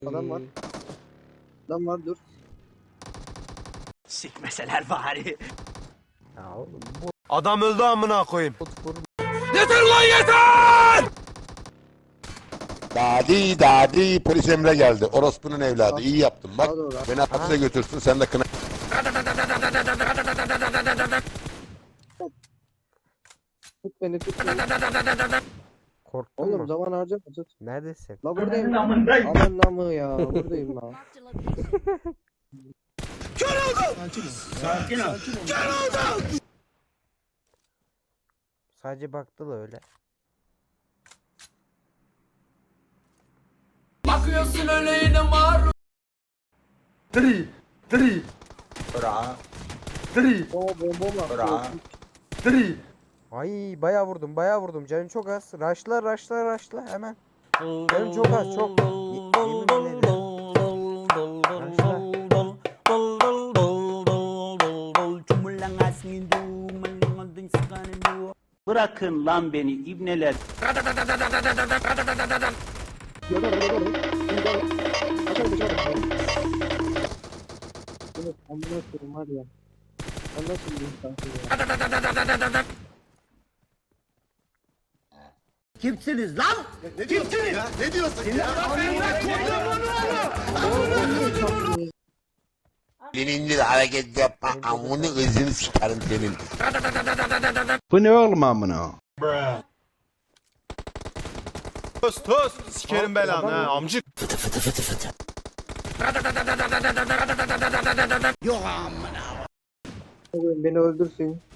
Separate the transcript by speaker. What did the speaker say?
Speaker 1: Adam var. Adam var dur.
Speaker 2: Sikmeseler bari.
Speaker 3: Ya oğlum bu
Speaker 4: Adam öldü amına koyayım.
Speaker 3: bot
Speaker 4: Yeter lan yeter!
Speaker 5: Dadi polis Emre geldi. Orospu'nun evladı. İyi yaptın. Bak
Speaker 1: Sağa doğru.
Speaker 5: beni hapse götürsün sen de kına.
Speaker 1: Tut beni tut beni.
Speaker 3: korktun
Speaker 1: Oğlum
Speaker 3: mu?
Speaker 1: zaman harcama tut.
Speaker 3: Neredesin?
Speaker 1: La buradayım. Aman namı ya. Buradayım la.
Speaker 3: Sadece baktı da öyle.
Speaker 2: Bakıyorsun öyle yine maruz.
Speaker 1: O bomba.
Speaker 3: Ay bayağı vurdum canım çok az. Raşla hemen. Canım çok az çok. Yemin ederim.
Speaker 2: Bırakın lan beni ibneler.
Speaker 1: Evet, amına koyayım var ya. Ben nasıl bir insansın ya?
Speaker 2: Kimsiniz lan?
Speaker 5: Birinci de hareket yapma. Amını ızını sikerim senin.
Speaker 6: Bu ne oğlum amına?
Speaker 4: Tos sikerim belanı ha amcık.
Speaker 1: Beni öldürsün.